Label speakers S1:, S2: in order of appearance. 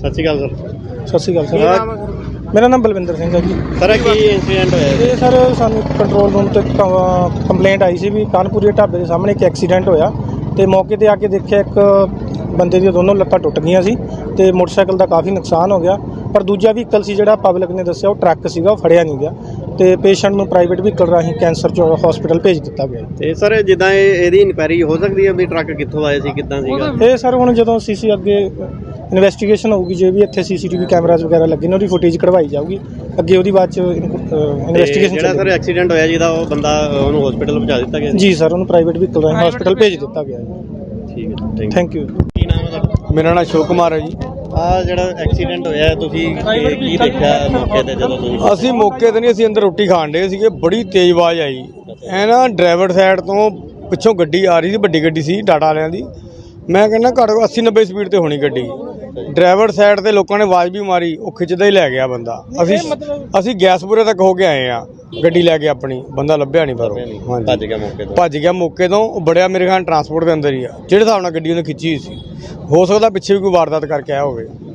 S1: ਸਤਿ ਸ਼੍ਰੀ ਅਕਾਲ ਸਰ।
S2: ਸਤਿ ਸ਼੍ਰੀ ਅਕਾਲ ਸਰ। ਮੇਰਾ ਨਾਮ ਬਲਵਿੰਦਰ ਸਿੰਘ ਹੈ ਜੀ।
S1: ਸਰ ਕੀ ਇੰਸੀਡੈਂਟ ਹੋਇਆ
S2: ਇਹ ਸਰ ਸਾਨੂੰ ਕੰਟਰੋਲ ਰੂਮ ਤੇ ਕੰਪਲੇਂਟ ਆਈ ਸੀ ਵੀ ਕਾਨਪੁਰੀ ਢਾਬੇ ਦੇ ਸਾਹਮਣੇ ਇੱਕ ਐਕਸੀਡੈਂਟ ਹੋਇਆ ਤੇ ਮੌਕੇ ਤੇ ਆ ਕੇ ਦੇਖਿਆ ਇੱਕ ਬੰਦੇ ਦੀਆਂ ਦੋਨੋਂ ਲੱਤਾਂ ਟੁੱਟ ਗਈਆਂ ਸੀ ਤੇ ਮੋਟਰਸਾਈਕਲ ਦਾ ਕਾਫੀ ਨੁਕਸਾਨ ਹੋ ਗਿਆ। ਪਰ ਦੂਜਾ ਵਹੀਕਲ ਸੀ ਜਿਹੜਾ ਪਬਲਿਕ ਨੇ ਦੱਸਿਆ ਉਹ ਟਰੱਕ ਸੀਗਾ, ਉਹ ਫੜਿਆ ਨਹੀਂ ਗਿਆ ਤੇ ਪੇਸ਼ੈਂਟ ਨੂੰ ਪ੍ਰਾਈਵੇਟ ਵਹੀਕਲ ਰਾਹੀਂ ਕੈਂਸਰ ਹਸਪੀਟਲ ਭੇਜ ਦਿੱਤਾ ਗਿਆ।
S1: ਤੇ ਸਰ ਜਿੱਦਾਂ ਇਹਦੀ ਇਨਕੁਆਇਰੀ ਹੋ ਸਕਦੀ ਹੈ ਵੀ ਟਰੱਕ ਕਿੱਥੋਂ ਆਇਆ ਸੀ, ਕਿੱਦਾਂ ਸੀਗਾ?
S2: ਇਹ ਸਰ ਹੁਣ ਜਦੋਂ ਸੀਸੀ ਅੱਗੇ ਇਨਵੈਸਟੀਗੇਸ਼ਨ ਹੋਊਗੀ, ਜੇ ਵੀ ਇੱਥੇ ਸੀਸੀਟੀਵੀ ਕੈਮਰਾਜ਼ ਵਗੈਰਾ ਲੱਗੇ ਨੇ ਉਹਦੀ ਫੁਟੇਜ ਕਢਵਾਈ ਜਾਊਗੀ, ਅੱਗੇ ਉਹਦੀ ਬਾਅਦ ਚ ਇਨਵੈਸਟੀਗੇਸ਼ਨ।
S1: ਜਿਹੜਾ ਸਰ ਐਕਸੀਡੈਂਟ ਹੋਇਆ ਜਿਹਦਾ ਉਹ ਬੰਦਾ ਉਹਨੂੰ ਹਸਪੀਟਲ ਪਹੁੰਚਾ ਦਿੱਤਾ ਗਿਆ
S2: ਜੀ ਸਰ, ਉਹਨੂੰ ਪ੍ਰਾਈਵੇਟ ਵਹੀਕਲ ਰਾਹੀਂ ਹਸਪੀਟਲ ਭੇਜ ਦਿੱਤਾ ਗਿਆ ਜੀ।
S1: ਠੀਕ ਹੈ,
S2: ਥੈਂਕ ਯੂ।
S1: ਕੀ ਨਾਮ ਹੈ ਤੁਹਾਡਾ?
S3: ਮੇਰਾ ਨਾਮ ਅਸ਼ੋਕ ਕੁਮਾਰ ਹੈ ਜੀ।
S1: ਆ ਜਿਹੜਾ ਐਕਸੀਡੈਂਟ ਹੋਇਆ ਤੁਸੀਂ ਕੀ ਦੇਖਿਆ ਮੌਕੇ ਤੇ ਜਦੋਂ ਤੁਸੀਂ?
S3: ਅਸੀਂ ਮੌਕੇ ਤੇ ਨਹੀਂ, ਅਸੀਂ ਅੰਦਰ ਰੋਟੀ ਖਾਣ ਡਏ ਸੀਗੇ, ਬੜੀ ਤੇਜ਼ ਆਵਾਜ਼ ਆਈ। ਇਹ ਨਾ ਡਰਾਈਵਰ ਸਾਈਡ ਤੋਂ ਪਿੱਛੋਂ ਗੱਡੀ ਆ ਰਹੀ ਸੀ, ਵੱਡੀ ਗੱਡੀ ਸੀ ਟਾਟਾ ਵਾਲਿਆਂ ਦੀ। ਮੈਂ ਕਹਿੰਦਾ ਘੱਟ 80-90 ਸਪੀਡ ਤੇ ਹੋਣੀ ਗੱਡੀ। ਡਰਾਈਵਰ ਸਾਈਡ ਤੇ ਲੋਕਾਂ ਨੇ ਆਵਾਜ਼ ਵੀ ਮਾਰੀ, ਉਹ ਖਿੱਚਦਾ ਹੀ ਲੈ ਗਿਆ ਬੰਦਾ। ਅਸੀਂ ਗੈਸਪੁਰੇ ਤੱਕ ਹੋ ਕੇ ਆਏ ਆ ਗੱਡੀ ਲੈ ਕੇ ਆਪਣੀ, ਬੰਦਾ ਲੱਭਿਆ ਨਹੀਂ ਪਰ
S1: ਭੱਜ ਗਿਆ ਮੌਕੇ ਤੋਂ।
S3: ਭੱਜ ਗਿਆ ਮੌਕੇ ਤੋਂ। ਉਹ ਬੜਿਆ ਮੇਰੇ ਖਿਆਲ ਟਰਾਂਸਪੋਰਟ ਦੇ ਅੰਦਰ ਹੀ ਆ, ਜਿਹੜੇ ਹਿਸਾਬ ਨਾਲ ਗੱਡੀ ਉਹਨੇ ਖਿੱਚੀ ਹੋਈ ਸੀ। ਹੋ ਸਕਦਾ ਪਿੱਛੇ ਵੀ ਕੋਈ ਵਾਰਦਾਤ ਕਰਕੇ ਆਇਆ ਹੋਵੇ।